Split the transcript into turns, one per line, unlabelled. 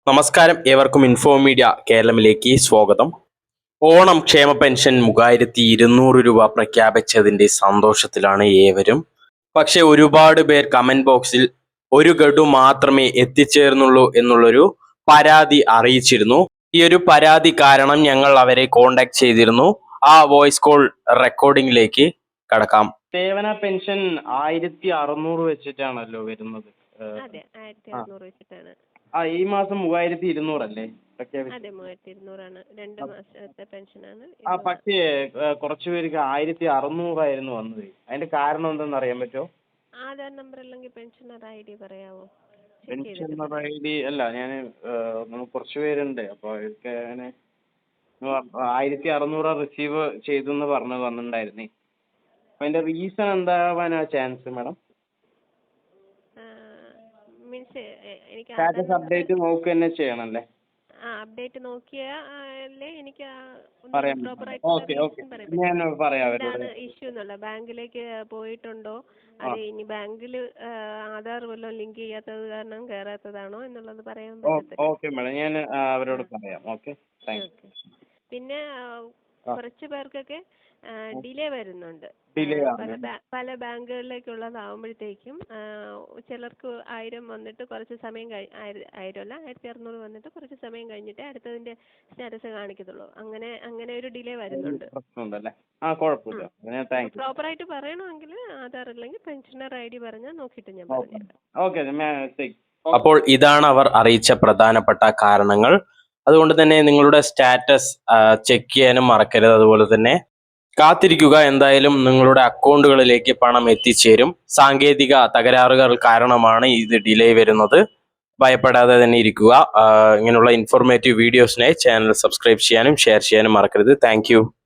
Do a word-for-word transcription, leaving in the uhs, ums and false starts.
നമസ്കാരം, ഏവർക്കും info media കേരളത്തിലേക്ക് സ്വാഗതം. ഓണം ക്ഷേമ പെൻഷൻ മൂവായിരത്തി ഇരുന്നൂറ് രൂപ പ്രഖ്യാപിച്ചതിന്റെ സന്തോഷത്തിലാണ് ഏവരും. പക്ഷെ ഒരുപാട് പേർ കമന്റ് ബോക്സിൽ ഒരു ഗഡു മാത്രമേ എത്തിച്ചേർന്നുള്ളൂ എന്നുള്ളൊരു പരാതി അറിയിച്ചിരുന്നു. ഈ ഒരു പരാതി കാരണം ഞങ്ങൾ അവരെ കോണ്ടാക്ട് ചെയ്തിരുന്നു. ആ വോയിസ് കോൾ റെക്കോർഡിംഗിലേക്ക് കടക്കാം. സേവന പെൻഷൻ ആയിരത്തി അറുന്നൂറ് വെച്ചിട്ടാണല്ലോ വരുന്നത്.
അതെ, ആയിരത്തി അറുന്നൂറ് വെച്ചിട്ടാണ്.
ആ ഈ മാസം മൂവായിരത്തി ഇരുന്നൂറല്ലേ പ്രഖ്യാപിച്ചത്?
അതെ, മൂവായിരത്തി ഇരുന്നൂറാണ്. രണ്ട് മാസത്തെ പെൻഷനാണ്.
ആ പക്ഷേ കുറച്ചു പേർക്ക് ആയിരത്തി അറുന്നൂറായിരുന്നു വന്നത്. അതിന്റെ കാരണം എന്തെന്ന് അറിയാൻ പറ്റുമോ?
ആധാർ നമ്പർ അല്ലെങ്കിൽ പെൻഷനർ ഐ ഡി പറയാവോ?
പെൻഷനർ ഐ ഡി അല്ല, ഞാൻ കുറച്ചു പേരുണ്ട്. അപ്പൊ അവർക്ക് അങ്ങനെ ആയിരത്തി അറുന്നൂറ് റിസീവ് ചെയ്തു എന്ന് പറഞ്ഞു വന്നിട്ടുണ്ടായിരുന്നേ. അപ്പൊ അതിന്റെ റീസൺ എന്താവാനാ ചാൻസ് മാഡം?
മീൻസ് എനിക്ക്
സ്റ്റാറ്റസ് അപ്ഡേറ്റ് നോക്കുക തന്നെ ചെയ്യണല്ലേ?
ആ അപ്ഡേറ്റ് നോക്കിയാലേ എനിക്ക് ഇതാണ് ഇഷ്യൂ എന്നുള്ള. ബാങ്കിലേക്ക് പോയിട്ടുണ്ടോ, അത് ഇനി ബാങ്കിൽ ആധാർ വല്ലതും ലിങ്ക് ചെയ്യാത്തത് കാരണം കയറാത്തതാണോ എന്നുള്ളത് പറയാൻ പറ്റത്തില്ല. പിന്നെ കുറച്ച് പേർക്കൊക്കെ ഡിലേ വരുന്നുണ്ട്. പല പല ബാങ്കുകളിലേക്കുള്ളതാവുമ്പോഴത്തേക്കും ചിലർക്ക് ആയിരം വന്നിട്ട് കുറച്ച് സമയം കഴി ആയിരം അല്ല ആയിരത്തി അറുന്നൂറ് വന്നിട്ട് കുറച്ച് സമയം കഴിഞ്ഞിട്ടേ അടുത്തതിന്റെ സ്റ്റാറ്റസ് കാണിക്കത്തുള്ളൂ. അങ്ങനെ അങ്ങനെ ഒരു ഡിലേ വരുന്നുണ്ട്. പ്രോപ്പറായിട്ട് പറയണമെങ്കിൽ ആധാർ അല്ലെങ്കിൽ പെൻഷനർ ഐ ഡി പറഞ്ഞാൽ നോക്കിയിട്ട് ഞാൻ പറഞ്ഞുതരാം.
അപ്പോൾ ഇതാണ് അവർ അറിയിച്ച പ്രധാനപ്പെട്ട കാരണങ്ങൾ. അതുകൊണ്ട് തന്നെ നിങ്ങളുടെ സ്റ്റാറ്റസ് ചെക്ക് ചെയ്യാനും മറക്കരുത്. അതുപോലെ തന്നെ കാത്തിരിക്കുക, എന്തായാലും നിങ്ങളുടെ അക്കൗണ്ടുകളിലേക്ക് പണം എത്തിച്ചേരും. സാങ്കേതിക തകരാറുകൾ കാരണമാണ് ഇത് ഡിലേ വരുന്നത്. ഭയപ്പെടാതെ തന്നെ ഇരിക്കുക. ഇങ്ങനെയുള്ള ഇൻഫോർമേറ്റീവ് വീഡിയോസിനായി ചാനൽ സബ്സ്ക്രൈബ് ചെയ്യാനും ഷെയർ ചെയ്യാനും മറക്കരുത്. താങ്ക്